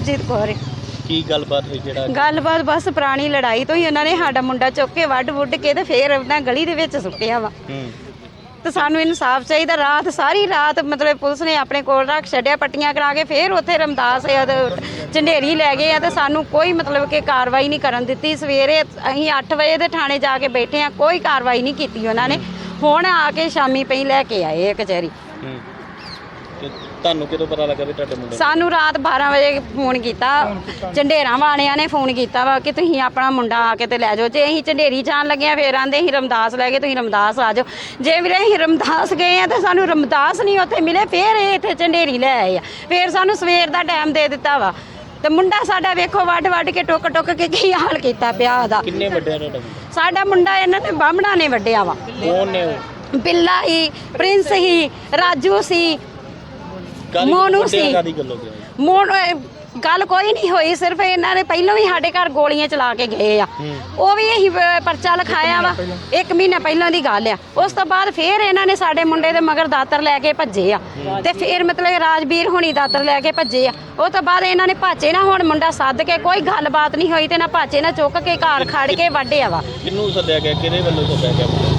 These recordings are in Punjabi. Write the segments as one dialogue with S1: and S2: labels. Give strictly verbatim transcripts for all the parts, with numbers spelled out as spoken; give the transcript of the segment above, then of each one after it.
S1: ਅਮਰਜੀਤ ਕੌਰ।
S2: ਕੀ ਗੱਲਬਾਤ ਹੋਈ ਜਿਹੜਾ
S1: ਗੱਲਬਾਤ ਬਸ ਪੁਰਾਣੀ ਲੜਾਈ ਤੋਂ ਹੀ ਉਹਨਾਂ ਨੇ ਸਾਡਾ ਮੁੰਡਾ ਚੁੱਕ ਕੇ ਵੱਢ ਵੁੱਢ ਕੇ ਤੇ ਫੇਰ ਉਹਨਾਂ ਗਲੀ ਦੇ ਵਿੱਚ ਸੁੱਟਿਆ ਵਾ।
S2: ਹੂੰ
S1: ਤੇ ਸਾਨੂੰ ਇਨਸਾਫ ਚਾਹੀਦਾ। ਰਾਤ ਸਾਰੀ ਰਾਤ ਮਤਲਬ ਪੁਲਿਸ ਨੇ ਆਪਣੇ ਕੋਲ ਰੱਖ ਛੱਡਿਆ, ਪੱਟੀਆਂ ਕਰਾ ਕੇ ਫੇਰ ਉੱਥੇ ਰਮਦਾਸ ਝੰਡੇਰੀ ਲੈ ਗਏ ਆ ਤੇ ਸਾਨੂੰ ਕੋਈ ਮਤਲਬ ਕਿ ਕਾਰਵਾਈ ਨਹੀਂ ਕਰਨ ਦਿੱਤੀ। ਸਵੇਰੇ ਅਸੀਂ ਅੱਠ ਵਜੇ ਦੇ ਥਾਣੇ ਜਾ ਕੇ ਬੈਠੇ ਆ, ਕੋਈ ਕਾਰਵਾਈ ਨਹੀਂ ਕੀਤੀ ਉਹਨਾਂ ਨੇ। ਹੁਣ ਆ ਕੇ ਸ਼ਾਮੀ ਪਈ ਲੈ ਕੇ ਆਏ ਕਚਹਿਰੀ।
S2: ਹੂੰ ਤੇ ਤੁਹਾਨੂੰ ਕਿਦੋਂ ਪਤਾ ਲੱਗਾ ਵੀ ਤੁਹਾਡੇ ਮੁੰਡੇ
S1: ਸਾਨੂੰ ਰਾਤ ਬਾਰਾਂ ਵਜੇ ਫੋਨ ਕੀਤਾ, ਝੰਡੇਰਾਂ ਵਾਲਿਆਂ ਨੇ ਫੋਨ ਕੀਤਾ ਵਾ ਕਿ ਤੁਸੀਂ ਆਪਣਾ ਮੁੰਡਾ ਆ ਕੇ ਤੇ ਲੈ ਜਾਓ। ਜੇ ਅਸੀਂ ਝੰਡੇਰੀ ਜਾਣ ਲੱਗੇ ਆ ਫੇਰ ਆਂਦੇ ਅਸੀਂ ਰਮਦਾਸ ਲੈ ਗਏ, ਤੁਸੀਂ ਰਮਦਾਸ ਆ ਜਾਓ। ਜੇ ਵੀਰੇ ਅਸੀਂ ਰਮਦਾਸ ਗਏ ਆ ਤੇ ਸਾਨੂੰ ਰਮਦਾਸ ਨਹੀਂ ਉੱਥੇ ਮਿਲੇ, ਫੇਰ ਇਹ ਇੱਥੇ ਝੰਡੇਰੀ ਲੈ ਆਏ ਆ। ਫੇਰ ਸਾਨੂੰ ਸਵੇਰ ਦਾ ਟਾਈਮ ਦੇ ਦਿੱਤਾ ਵਾ ਤੇ ਮੁੰਡਾ ਸਾਡਾ ਵੇਖੋ ਵੱਢ ਵੱਢ ਕੇ ਟੁੱਕ ਟੁੱਕ ਕੇ ਕੀ ਹਾਲ ਕੀਤਾ ਪਿਆ ਉਹਦਾ।
S2: ਕਿੰਨੇ ਵੱਡਿਆ ਤੁਹਾਡਾ
S1: ਸਾਡਾ ਮੁੰਡਾ ਇਹਨਾਂ ਨੇ ਬਾਹਮਣਾ ਨੇ ਵੱਢਿਆ ਵਾ।
S2: ਕੌਣ ਨੇ ਉਹ?
S1: ਬਿੱਲਾ ਹੀ, ਪ੍ਰਿੰਸ ਹੀ, ਰਾਜੂ ਸੀ, ਮੋਨੂ ਸੀ। ਮੋਨ ਗੱਲ ਕੋਈ ਨਹੀਂ ਹੋਈ, ਸਿਰਫ ਇਹਨਾਂ ਨੇ ਪਹਿਲਾਂ ਵੀ ਸਾਡੇ ਘਰ ਗੋਲੀਆਂ ਚਲਾ ਕੇ ਗਏ ਆ। ਉਹ ਵੀ ਇਹੀ ਪਰਚਾ ਲਿਖਾਇਆ ਵਾ, ਇੱਕ ਮਹੀਨਾ ਪਹਿਲਾਂ ਦੀ ਗੱਲ ਆ। ਉਸ ਤੋਂ ਬਾਅਦ ਫੇਰ ਇਹਨਾਂ ਨੇ ਸਾਡੇ ਮੁੰਡੇ ਦੇ ਮਗਰ ਦਾਤਰ ਲੈ ਕੇ ਭੱਜੇ ਆ ਤੇ ਫੇਰ ਮਤਲਬ ਰਾਜਵੀਰ ਹੁਣੀ ਦਾਤਰ ਲੈ ਕੇ ਭੱਜੇ ਆ। ਉਹ ਤੋਂ ਬਾਅਦ ਇਹਨਾਂ ਨੇ ਭਾਚੇ ਨਾ ਹੁਣ ਮੁੰਡਾ ਸੱਦ ਕੇ ਕੋਈ ਗੱਲਬਾਤ ਨਹੀਂ ਹੋਈ ਤੇ ਨਾ ਭਾਚੇ ਨਾ ਚੁੱਕ ਕੇ ਘਰ ਖੜ ਕੇ ਵੱਢਿਆ ਵਾ।
S2: ਕਿਹਨੂੰ ਸੱਦਿਆ ਗਿਆ, ਕਿਹਦੇ ਵੱਲੋਂ ਸੱਦਿਆ ਗਿਆ?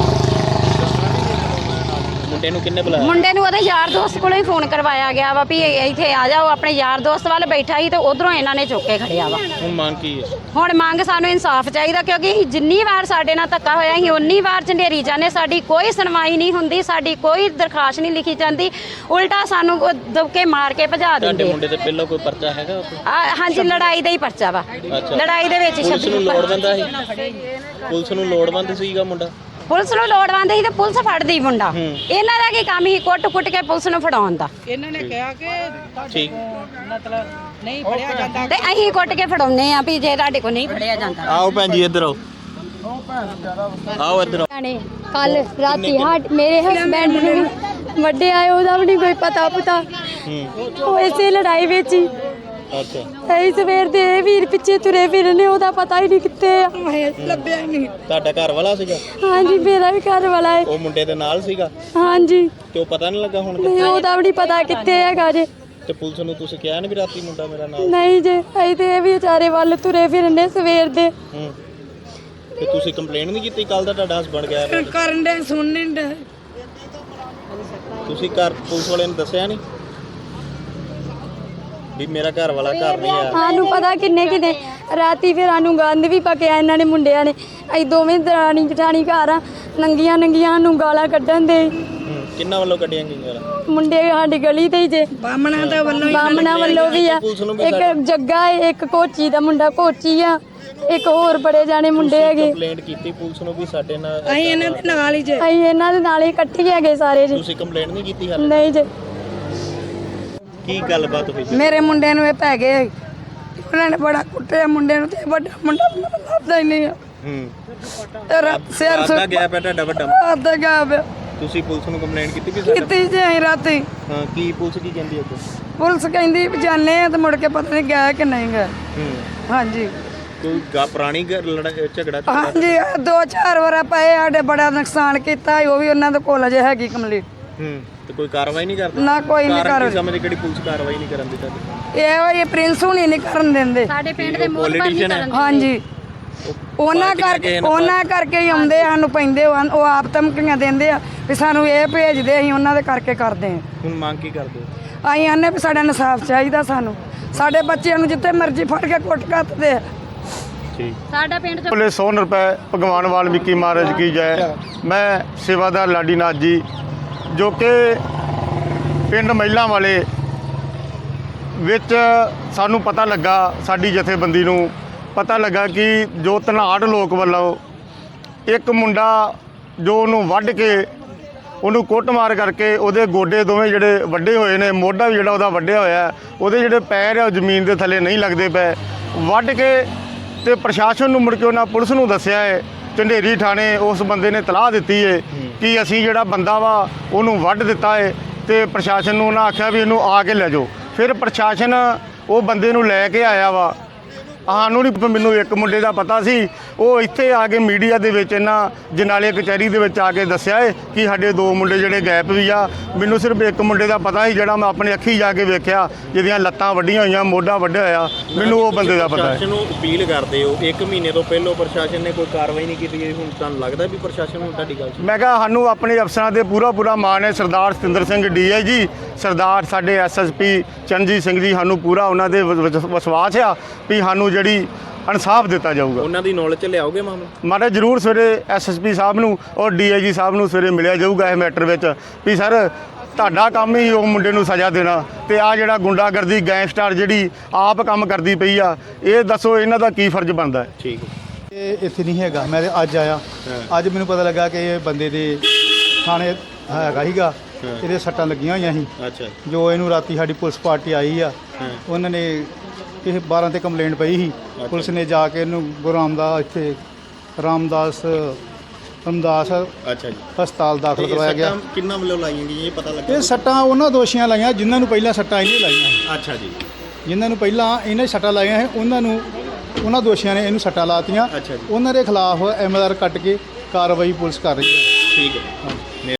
S2: ਮੁੰਡੇ ਨੂੰ ਕਿੰਨੇ ਬੁਲਾਇਆ? ਮੁੰਡੇ
S1: ਨੂੰ ਉਹਦੇ ਯਾਰ ਦੋਸਤ ਕੋਲੋਂ ਹੀ ਫੋਨ ਕਰਵਾਇਆ ਗਿਆ ਵਾ ਵੀ ਇੱਥੇ ਆ ਜਾਓ। ਆਪਣੇ ਯਾਰ ਦੋਸਤ ਵੱਲ ਬੈਠਾ ਸੀ ਤੇ ਉਧਰੋਂ ਇਹਨਾਂ ਨੇ ਚੁੱਕ ਕੇ ਖੜਿਆ ਵਾ।
S2: ਹੁਣ ਮੰਗ ਕੀ ਹੈ? ਹੁਣ
S1: ਮੰਗ ਸਾਨੂੰ ਇਨਸਾਫ ਚਾਹੀਦਾ, ਕਿਉਂਕਿ ਅਸੀਂ ਜਿੰਨੀ ਵਾਰ ਸਾਡੇ ਨਾਲ ਧੱਕਾ ਹੋਇਆ ਅਸੀਂ ਉਨੀ ਵਾਰ ਝੰਡੇਰੀ ਜਾਂਦੇ, ਸਾਡੀ ਕੋਈ ਸੁਣਵਾਈ ਨਹੀਂ ਹੁੰਦੀ, ਸਾਡੀ ਕੋਈ ਦਰਖਾਸਤ ਨਹੀਂ ਲਿਖੀ ਜਾਂਦੀ, ਉਲਟਾ ਸਾਨੂੰ ਦਬਕੇ ਮਾਰ ਕੇ ਭਜਾ ਦਿੰਦੇ।
S2: ਤੁਹਾਡੇ ਮੁੰਡੇ ਤੇ ਪਹਿਲਾਂ ਕੋਈ ਪਰਚਾ ਹੈਗਾ?
S1: ਹਾਂਜੀ, ਲੜਾਈ ਦਾ ਹੀ ਪਰਚਾ ਵਾ। ਲੜਾਈ ਦੇ ਵਿੱਚ
S2: ਪੁਲਿਸ ਨੂੰ ਲੋੜਵੰਦ ਸੀ, ਪੁਲਿਸ ਨੂੰ ਲੋੜਵੰਦ ਸੀਗਾ ਮੁੰਡਾ।
S1: ਪੁਲਿਸ ਨੂੰ ਲੋੜਵੰਦ ਸੀ ਤੇ ਪੁਲਿਸ ਫੜਦੀ ਮੁੰਡਾ। ਇਹਨਾਂ ਦਾ ਕੀ ਕੰਮ ਸੀ ਕੁੱਟ ਕੁੱਟ ਕੇ ਪੁਲਿਸ ਨੂੰ ਫੜਾਉਣ ਦਾ।
S3: ਇਹਨਾਂ ਨੇ ਕਿਹਾ ਕਿ
S2: ਠੀਕ
S3: ਮਤਲਬ ਨਹੀਂ ਫੜਿਆ ਜਾਂਦਾ
S1: ਤੇ ਅਸੀਂ ਕੁੱਟ ਕੇ ਫੜਾਉਨੇ ਆ ਵੀ ਜੇ ਤੁਹਾਡੇ ਕੋਲ ਨਹੀਂ ਫੜਿਆ ਜਾਂਦਾ।
S2: ਆਓ ਭੈਣ ਜੀ ਇੱਧਰ ਆਓ, ਆਓ ਇੱਧਰ ਆਓ।
S4: ਕੱਲ ਰਾਤੀ ਹਟ ਮੇਰੇ ਹਸਬੈਂਡ ਨੂੰ ਵੱਡੇ ਆਏ, ਉਹਦਾ ਵੀ ਨਹੀਂ ਕੋਈ ਪਤਾ ਪਤਾ। ਉਹ ਇਸੇ ਲੜਾਈ ਵਿੱਚ ਹੀ
S2: ਅੱਛਾ
S4: ਇਹ ਸਵੇਰ ਦੇ ਇਹ ਵੀਰ ਪਿੱਛੇ ਤੁਰੇ ਫਿਰਨੇ, ਉਹਦਾ ਪਤਾ ਹੀ ਨਹੀਂ ਕਿੱਥੇ ਆ, ਲੱਭਿਆ ਹੀ ਨਹੀਂ।
S2: ਤੁਹਾਡਾ ਘਰ ਵਾਲਾ ਸੀਗਾ?
S4: ਹਾਂਜੀ, ਮੇਰਾ ਵੀ ਘਰ ਵਾਲਾ ਹੈ।
S2: ਉਹ ਮੁੰਡੇ ਦੇ ਨਾਲ ਸੀਗਾ?
S4: ਹਾਂਜੀ।
S2: ਤੇ ਉਹ ਪਤਾ ਨਹੀਂ ਲੱਗਾ ਹੁਣ?
S4: ਨਹੀਂ, ਉਹਦਾ ਵੀ ਨਹੀਂ ਪਤਾ ਕਿੱਥੇ ਹੈਗਾ ਜੇ।
S2: ਤੇ ਪੁਲਿਸ ਨੂੰ ਤੁਸੀਂ ਕਿਹਾ ਨਹੀਂ ਵੀ ਰਾਤੀ ਮੁੰਡਾ ਮੇਰਾ ਨਾਲ?
S4: ਨਹੀਂ ਜੇ, ਅਸੀਂ ਤੇ ਇਹ ਵੀ ਵਿਚਾਰੇ ਵੱਲ ਤੁਰੇ ਫਿਰਨੇ ਸਵੇਰ ਦੇ।
S2: ਹੂੰ ਤੇ ਤੁਸੀਂ ਕੰਪਲੇਂਟ ਨਹੀਂ ਕੀਤੀ? ਕੱਲ ਦਾ ਤੁਹਾਡਾ ਹਸਬੰਡ ਗਿਆ
S3: ਕਰਨ ਦੇ ਸੁਣ ਨਹੀਂ ਦੇ,
S2: ਤੁਸੀਂ ਘਰ ਪੁਲਿਸ ਵਾਲਿਆਂ ਨੂੰ ਦੱਸਿਆ ਨਹੀਂ ਵੀ ਮੇਰਾ ਘਰ ਵਾਲਾ ਘਰ ਨਹੀਂ ਆ?
S4: ਸਾਨੂੰ ਪਤਾ ਕਿੰਨੇ ਕਿੰਨੇ ਰਾਤੀ ਫਿਰ ਸਾਨੂੰ ਗੰਦ ਵੀ ਪਕਿਆ ਇਹਨਾਂ ਨੇ ਮੁੰਡਿਆਂ ਨੇ। ਅਸੀਂ ਦੋਵੇਂ ਦਰਾਣੀ ਜਠਾਣੀ ਘਰ ਆ, ਨੰਗੀਆਂ ਨੰਗੀਆਂ ਨੂੰ ਗਾਲਾਂ ਕੱਢਣ ਦੇ।
S2: ਕਿੰਨਾ ਵੱਲੋਂ ਕੱਢੀਆਂ ਗਈਆਂ?
S4: ਮੁੰਡੇ ਸਾਡੀ ਗਲੀ ਤੇ ਹੀ ਜੇ,
S3: ਬਾਮਣਾ ਦਾ ਵੱਲੋਂ
S4: ਬਾਮਣਾ ਵੱਲੋਂ ਵੀ ਆ। ਇੱਕ ਜੱਗਾ ਹੈ, ਇੱਕ ਕੋਚੀ ਦਾ ਮੁੰਡਾ ਕੋਚੀ ਆ, ਇੱਕ ਹੋਰ ਬੜੇ ਜਾਣੇ ਮੁੰਡੇ ਹੈਗੇ।
S2: ਕੰਪਲੇਂਟ ਕੀਤੀ ਪੁਲਿਸ ਨੂੰ ਵੀ ਸਾਡੇ ਨਾਲ?
S3: ਅਸੀਂ ਇਹਨਾਂ ਦੇ ਨਾਲ ਹੀ ਜੇ,
S4: ਅਸੀਂ ਇਹਨਾਂ ਦੇ ਨਾਲ ਹੀ ਇਕੱਠੇ ਹੈਗੇ ਸਾਰੇ ਜੀ।
S2: ਤੁਸੀਂ ਕੰਪਲੇਂਟ ਨਹੀਂ ਕੀਤੀ ਹਾਲੇ?
S4: ਨਹੀਂ ਜੀ।
S2: ਕੀ ਗੱਲਬਾਤ ਹੋਈ?
S3: ਮੇਰੇ ਮੁੰਡੇ ਨੂੰ ਇਹ ਪੈ ਗਏ, ਉਹਨਾਂ ਨੇ ਬੜਾ ਕੁੱਟਿਆ ਮੁੰਡੇ ਨੂੰ ਤੇ ਵੱਡਾ ਮੁੰਡਾ ਲੱਭਦਾ ਹੀ ਨਹੀਂ ਆ।
S2: ਹੂੰ
S3: ਸਿਰ
S2: ਸੁੱਟ ਗਿਆ ਪਿਆ ਤੁਹਾਡਾ ਵੱਡਾ?
S3: ਅੱਧਾ ਗਿਆ ਪਿਆ।
S2: ਤੁਸੀਂ ਪੁਲਿਸ ਨੂੰ ਕੰਪਲੇਂਟ ਕੀਤੀ ਵੀ ਸਾਡਾ?
S3: ਕੀਤੀ ਜੇ ਅਸੀਂ ਰਾਤੀ।
S2: ਹਾਂ, ਕੀ ਪੁਲਿਸ ਕੀ ਕਹਿੰਦੀ ਅੱਗੇ?
S3: ਪੁਲਿਸ ਕਹਿੰਦੀ ਵੀ ਜਾਣੇ ਆ ਤੇ ਮੁੜ ਕੇ ਪਤਾ ਨਹੀਂ ਗਿਆ ਕਿ ਨਹੀਂ ਗਿਆ।
S2: ਹੂੰ
S3: ਹਾਂਜੀ।
S2: ਕੋਈ ਗਾ ਪੁਰਾਣੀ ਲੜਾਈ ਝਗੜਾ?
S3: ਹਾਂਜੀ, ਦੋ ਚਾਰ ਵਾਰ ਪਏ, ਸਾਡੇ ਬੜਾ ਨੁਕਸਾਨ ਕੀਤਾ, ਉਹ ਵੀ ਉਹਨਾਂ ਦੇ ਕੋਲ ਅਜੇ ਹੈਗੀ ਕੰਪਲੀਟ।
S2: ਹੂੰ ਤੇ ਕੋਈ ਕਾਰਵਾਈ ਨਹੀਂ ਕਰਦੇ?
S3: ਨਾ ਕੋਈ ਨਹੀਂ ਕਰ
S2: ਸਮਝ ਕਿਹੜੀ ਪੁਲਿਸ ਕਾਰਵਾਈ ਨਹੀਂ ਕਰਨ ਦੀ ਤੁਹਾਡੀ?
S3: ਇਹ ਇਹ ਪ੍ਰਿੰਸ ਹੁਣੀ ਨਹੀਂ ਕਰਨ ਦਿੰਦੇ
S1: ਸਾਡੇ ਪਿੰਡ ਦੇ
S2: ਪੋਲੀਟੀਸ਼ੀਅਨ ਹੈ।
S3: ਹਾਂਜੀ, ਉਹਨਾਂ ਕਰਕੇ ਉਹਨਾਂ ਕਰਕੇ ਹੀ ਆਉਂਦੇ ਸਾਨੂੰ ਪੈਂਦੇ, ਉਹ ਆਪ ਧਮਕੀਆਂ ਦਿੰਦੇ ਆ ਵੀ ਸਾਨੂੰ ਇਹ ਭੇਜਦੇ, ਅਸੀਂ ਉਹਨਾਂ ਦੇ ਕਰਕੇ ਕਰਦੇ ਹਾਂ।
S2: ਹੁਣ ਮੰਗ ਕੀ ਕਰਦੇ ਹੋ?
S3: ਅਸੀਂ ਆਨੇ ਵੀ ਸਾਡਾ ਇਨਸਾਫ ਚਾਹੀਦਾ ਸਾਨੂੰ, ਸਾਡੇ ਬੱਚਿਆਂ ਨੂੰ ਜਿੱਥੇ ਮਰਜ਼ੀ ਫੜ ਕੇ ਕੁੱਟ ਕੱਤਦੇ ਆ।
S1: ਸਾਡਾ ਪਿੰਡ ਚ
S5: ਬੋਲੇ ਸੌ ਰੁਪਏ ਭਗਵਾਨ ਵਾਲਮੀਕੀ ਮਹਾਰਾਜ ਕੀ ਜੈ। ਮੈਂ ਸੇਵਾਦਾਰ ਲਾਡੀਨਾਥ ਜੀ, ਜੋ ਕਿ ਪਿੰਡ ਮਹਿਲਾਂ ਵਾਲੇ ਵਿੱਚ ਸਾਨੂੰ ਪਤਾ ਲੱਗਾ, ਸਾਡੀ ਜਥੇਬੰਦੀ ਨੂੰ ਪਤਾ ਲੱਗਾ ਕਿ ਜੋ ਧਨਾੜ ਲੋਕ ਵੱਲੋਂ ਇੱਕ ਮੁੰਡਾ ਜੋ ਉਹਨੂੰ ਵੱਢ ਕੇ ਉਹਨੂੰ ਕੁੱਟਮਾਰ ਕਰਕੇ ਉਹਦੇ ਗੋਡੇ ਦੋਵੇਂ ਜਿਹੜੇ ਵੱਡੇ ਹੋਏ ਨੇ, ਮੋਢਾ ਵੀ ਜਿਹੜਾ ਉਹਦਾ ਵੱਢਿਆ ਹੋਇਆ, ਉਹਦੇ ਜਿਹੜੇ ਪੈਰ ਆ ਉਹ ਜ਼ਮੀਨ ਦੇ ਥੱਲੇ ਨਹੀਂ ਲੱਗਦੇ ਪਏ। ਵੱਢ ਕੇ ਤੇ ਪ੍ਰਸ਼ਾਸਨ ਨੂੰ ਮੁੜ ਕੇ ਉਹਨਾਂ ਪੁਲਿਸ ਨੂੰ ਦੱਸਿਆ ਹੈ, ਝੰਡੇਰੀ ਥਾਣੇ ਉਸ ਬੰਦੇ ਨੇ ਤਲਾਹ ਦਿੱਤੀ ਹੈ ਕਿ ਅਸੀਂ ਜਿਹੜਾ ਬੰਦਾ ਵਾ ਉਹਨੂੰ ਵੱਢ ਦਿੱਤਾ ਹੈ ਤੇ ਪ੍ਰਸ਼ਾਸਨ ਨੂੰ ਉਹਨਾਂ ਆਖਿਆ ਵੀ ਇਹਨੂੰ ਆ ਕੇ ਲੈ ਜਾਓ। ਫਿਰ ਪ੍ਰਸ਼ਾਸਨ ਉਹ ਬੰਦੇ ਨੂੰ ਲੈ ਕੇ ਆਇਆ ਵਾ ਸਾਨੂੰ ਨਹੀਂ, ਮੈਨੂੰ ਇੱਕ ਮੁੰਡੇ ਦਾ ਪਤਾ ਸੀ, ਉਹ ਇੱਥੇ ਆ ਕੇ ਮੀਡੀਆ ਦੇ ਵਿੱਚ ਇਹਨਾਂ ਜਨਾਲੇ ਕਚਹਿਰੀ ਦੇ ਵਿੱਚ ਆ ਕੇ ਦੱਸਿਆ ਏ ਕਿ ਸਾਡੇ ਦੋ ਮੁੰਡੇ ਜਿਹੜੇ ਗਾਇਬ ਵੀ ਆ। ਮੈਨੂੰ ਸਿਰਫ ਇੱਕ ਮੁੰਡੇ ਦਾ ਪਤਾ ਸੀ ਜਿਹੜਾ ਮੈਂ ਆਪਣੀ ਅੱਖੀ ਜਾ ਕੇ ਵੇਖਿਆ, ਜਿਹਦੀਆਂ ਲੱਤਾਂ ਵੱਡੀਆਂ ਹੋਈਆਂ, ਮੋਢਾ ਵੱਢਿਆ ਹੋਇਆ, ਮੈਨੂੰ ਉਹ ਬੰਦੇ ਦਾ ਪਤਾ ਹੈ।
S2: ਪ੍ਰਸ਼ਾਸਨ ਨੂੰ ਅਪੀਲ ਕਰਦੇ ਹੋ, ਇੱਕ ਮਹੀਨੇ ਤੋਂ ਪਹਿਲਾਂ ਪ੍ਰਸ਼ਾਸਨ ਨੇ ਕੋਈ ਕਾਰਵਾਈ ਨਹੀਂ ਕੀਤੀ, ਹੁਣ ਤੁਹਾਨੂੰ ਲੱਗਦਾ ਵੀ ਪ੍ਰਸ਼ਾਸਨ ਹੁਣ ਤੁਹਾਡੀ ਗੱਲ
S5: ਮੈਂ ਕਿਹਾ ਸਾਨੂੰ ਆਪਣੇ ਅਫਸਰਾਂ ਤੇ ਪੂਰਾ ਪੂਰਾ ਮਾਣ ਹੈ। Sardar Satinder Singh D I G, Sardar ਸਾਡੇ S S P Charanjit Singh ji, ਸਾਨੂੰ ਪੂਰਾ ਉਹਨਾਂ ਦੇ ਵਿਸ਼ਵਾਸ ਆ ਵੀ ਸਾਨੂੰ ਜਿਹੜੀ ਇਨਸਾਫ ਦਿੱਤਾ ਜਾਊਗਾ।
S2: ਉਹਨਾਂ ਦੀ ਨੌਲੇਜ 'ਚ ਲਿਆਓਗੇ ਮਾਮਲਾ?
S5: ਮਾਰੇ ਜ਼ਰੂਰ ਸਵੇਰੇ ਐਸ ਐਸ ਪੀ ਸਾਹਿਬ ਨੂੰ ਔਰ ਡੀ ਆਈ ਜੀ ਸਾਹਿਬ ਨੂੰ ਸਵੇਰੇ ਮਿਲਿਆ ਜਾਊਗਾ ਇਹ ਮੈਟਰ ਵਿੱਚ ਵੀ ਸਰ ਤੁਹਾਡਾ ਕੰਮ ਹੀ ਉਹ ਮੁੰਡੇ ਨੂੰ ਸਜ਼ਾ ਦੇਣਾ, ਤੇ ਆ ਜਿਹੜਾ ਗੁੰਡਾਗਰਦੀ ਗੈਂਗਸਟਰ ਜਿਹੜੀ ਆਪ ਕੰਮ ਕਰਦੀ ਪਈ ਆ, ਇਹ ਦੱਸੋ ਇਹਨਾਂ ਦਾ ਕੀ ਫਰਜ਼ ਬਣਦਾ ਹੈ।
S2: ਠੀਕ ਹੈ।
S6: ਇਹ ਇੱਥੇ ਨਹੀਂ ਹੈਗਾ, ਮੈਂ ਤੇ ਅੱਜ ਆਇਆ। ਅੱਜ ਮੈਨੂੰ ਪਤਾ ਲੱਗਾ ਕਿ ਇਹ ਬੰਦੇ ਦੇ ਥਾਣੇ ਹੈਗਾ ਹੀਗਾ, ਇਹਦੇ ਸੱਟਾਂ ਲੱਗੀਆਂ ਹੋਈਆਂ ਸੀ।
S2: ਅੱਛਾ।
S6: ਜੋ ਇਹਨੂੰ ਰਾਤੀ ਸਾਡੀ ਪੁਲਿਸ ਪਾਰਟੀ ਆਈ ਆ, ਉਹਨਾਂ ਨੇ ਕਿਸੇ ਬਾਰਾਂ ਤੇ ਕੰਪਲੇਂਟ ਪਈ ਸੀ। ਪੁਲਿਸ ਨੇ ਜਾ ਕੇ ਇਹਨੂੰ ਗੁਰੂ ਰਾਮਦਾਸ ਇੱਥੇ ਰਾਮਦਾਸ ਰਾਮਦਾਸ
S2: ਅੱਛਾ ਜੀ
S6: ਹਸਪਤਾਲ ਦਾਖਲ ਕਰਵਾਇਆ ਗਿਆ।
S2: ਕਿੰਨਾ ਵੱਲੋਂ ਲਾਈਆਂ ਗਈਆਂ ਇਹ ਪਤਾ ਲੱਗਾ?
S6: ਇਹ ਸੱਟਾਂ ਉਹਨਾਂ ਦੋਸ਼ੀਆਂ ਲਾਈਆਂ ਜਿਨ੍ਹਾਂ ਨੂੰ ਪਹਿਲਾਂ ਸੱਟਾਂ ਇਹਨੇ ਲਾਈਆਂ ਸੀ।
S2: ਅੱਛਾ ਜੀ।
S6: ਜਿਨ੍ਹਾਂ ਨੂੰ ਪਹਿਲਾਂ ਇਹਨੇ ਸੱਟਾਂ ਲਾਈਆਂ ਸੀ ਉਹਨਾਂ ਨੂੰ ਉਹਨਾਂ ਦੋਸ਼ੀਆਂ ਨੇ ਇਹਨੂੰ ਸੱਟਾਂ ਲਾਤੀਆਂ।
S2: ਅੱਛਾ ਜੀ।
S6: ਉਹਨਾਂ ਦੇ ਖਿਲਾਫ ਐਮ ਐਲ ਆਰ ਕੱਟ ਕੇ ਕਾਰਵਾਈ ਪੁਲਿਸ ਕਰ ਰਹੀ ਹੈ।
S2: ਠੀਕ ਹੈ।